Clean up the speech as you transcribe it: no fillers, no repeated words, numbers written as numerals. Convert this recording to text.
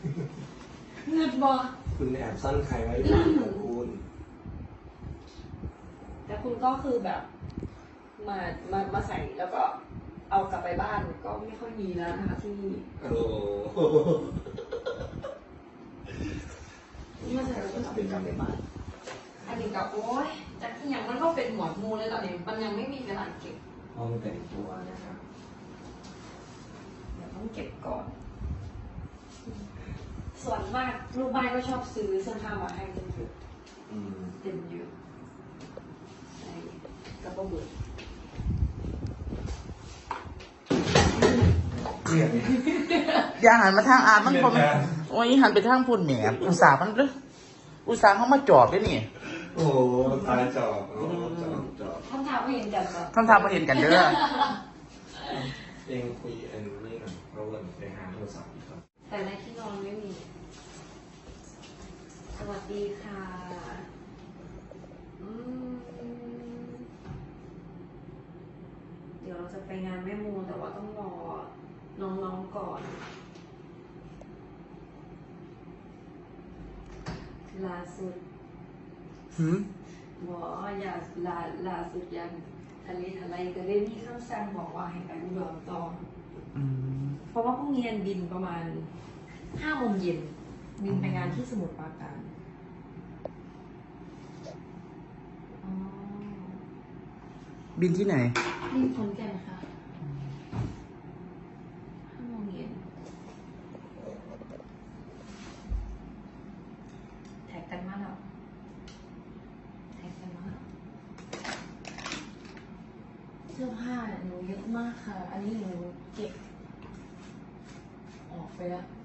เงินบอคุณแอบซ่อนใครไว้หรือเปล่าของคุณแต่คุณก็คือแบบมาใส่แล้วก็เอากลับไปบ้านก็ไม่ค่อยมีแล้วนะคะที่นี่โอ้มาใส่แล้วก็เอากลับไปบ้านอันนี้ก็โอ๊ยจากที่ยังมันก็เป็นหมวดหมู่เลยตอนนี้มันยังไม่มีเวลาเก็บห้องแต่งตัวนะคะเดี๋ยวต้องเก็บก่อน ส่วนมากลูกบ้านก็ชอบซื้อเสื้อผ้ามาให้เต็มเยอะเต็มเยอะใช่กระเป๋าเบื่อเรียกเนี่ยอย่าหันมาทางอาร์ตมันคมโอ้ยหันไปทางพุ่นแหมอุตส่าห์มันเลยอุตส่าห์เขามาจอบด้วยนี่โอ้โหตายจอบจอบคำถามไม่เห็นกันเหรอท่านทำมาเห็นกันเด้อเองคุยอันนี้หน่อยเราเริ่มไปหาโทรศัพท์อีกครับแต่ในที่นอนไม่มี สวัสดีค่ะอืมเดี๋ยวเราจะไปงานแม่มูแต่ว่าต้องรอน้องๆก่อน ล่าสุดหืมหมออย่าล่าสุดยังทะเลอะไรก็ได้มีคำสั่งบอกว่าให้ไปอุดรต่ออืมเพราะว่าพรุ่งนี้บินประมาณ5 โมงเย็นบินไปงานที่สมุทรปราการอ๋อบินที่ไหนบินขอนแก่นค่ะ5 โมงเย็นแท็กกันมาแล้วแท็กกันมาแล้วเสื้อผ้าหนูเยอะมากค่ะ อันนี้หนูเก็บออกไปแล้ว